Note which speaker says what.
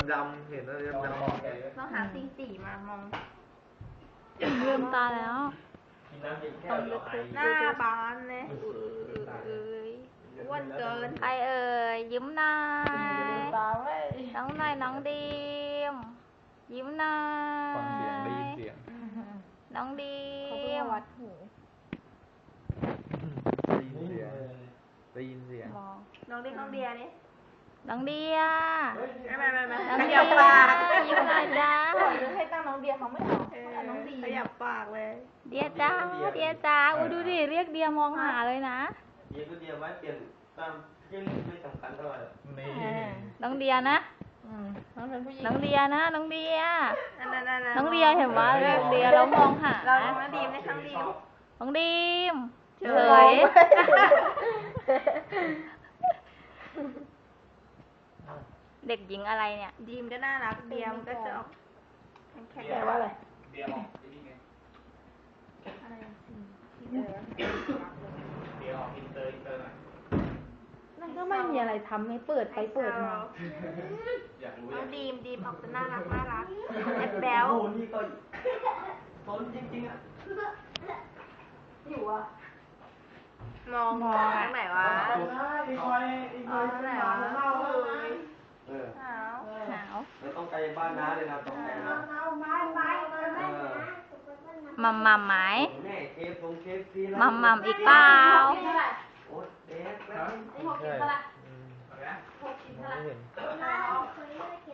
Speaker 1: ดำๆเห็นอะไรดำๆ
Speaker 2: เราหาสีมามอง
Speaker 3: ลืมตาแล้ว
Speaker 2: หน้าบานเลยอ้วนเกิน
Speaker 3: ใครเอ่ยยิ้มหน่อย
Speaker 2: ตาเว้ย
Speaker 3: น้องหน่อยน้องดีมยิ้มหน่อย
Speaker 4: ฟังเสียงได้ยินเสียง
Speaker 3: น้องดี
Speaker 2: เขาเพิ่ง
Speaker 3: ม
Speaker 2: วัดหู
Speaker 4: ได้ยินเสียงได้ยินเสียง
Speaker 3: มอง
Speaker 2: น้องเรียกน้องเดียนี่
Speaker 3: น้องเดีย
Speaker 2: ไม่
Speaker 3: น้อง
Speaker 2: ข
Speaker 3: เดี
Speaker 2: ยั
Speaker 3: ย
Speaker 2: บปาก
Speaker 3: ยิ้มหน่อยจ้า
Speaker 2: ให้ตั้งน้องเดียเขาไม่เอาน้องดีขยับปากเลย
Speaker 3: เดียจ้าเดียจ้าอุ้ยดูดิเรียกเดียมองหาเลยนะ
Speaker 1: เดียวก็เดียวไว้เปลี่ยนตามยิ่งไม่สำคัญเท่าไหร่
Speaker 4: นี่
Speaker 3: น้องเดียนะ
Speaker 2: น้องเป็นผู้หญิง
Speaker 3: น้องเดียนะน้องเดีย
Speaker 2: นั่น
Speaker 3: น้องเดียเห็นว่าเรียกเดียแล้วมองหา
Speaker 2: เราน้องดีมในครั้งดีม
Speaker 3: น้องดีมเฉยเด็กหญิงอะไรเนี่ย
Speaker 2: ดีมก็น่ารักเดียมก็จะออกแข็ง
Speaker 5: แปลว่าอะไร
Speaker 1: เดียวออกที่นี่ไง
Speaker 2: อะไร
Speaker 1: เดียวออกอินเตอร์หน่อย
Speaker 5: นั่นก็ไม่มีอะไรทำไม่เปิดไปเปิดมา
Speaker 1: อยากรู้
Speaker 2: น้องดีมออกจะน่ารักแอบแบล
Speaker 1: โอ้นี่ก็ต้นจริงๆอ่ะ
Speaker 2: อยู่อ่ะมองทางไหนวะ
Speaker 1: อีคอย
Speaker 2: ไหนวะ
Speaker 1: เออ
Speaker 2: หนาว
Speaker 3: หนาว
Speaker 1: แล้วต้องไกลบ้านน้าเลยนะต้องไกลนะ
Speaker 3: มัมมัมไหม
Speaker 1: แม่เคฟตรงเคฟซี
Speaker 3: มัมมัมอีกเปล่า
Speaker 1: โอ๊ยเด็กแล้ว
Speaker 4: ใช่มองไม่เห็น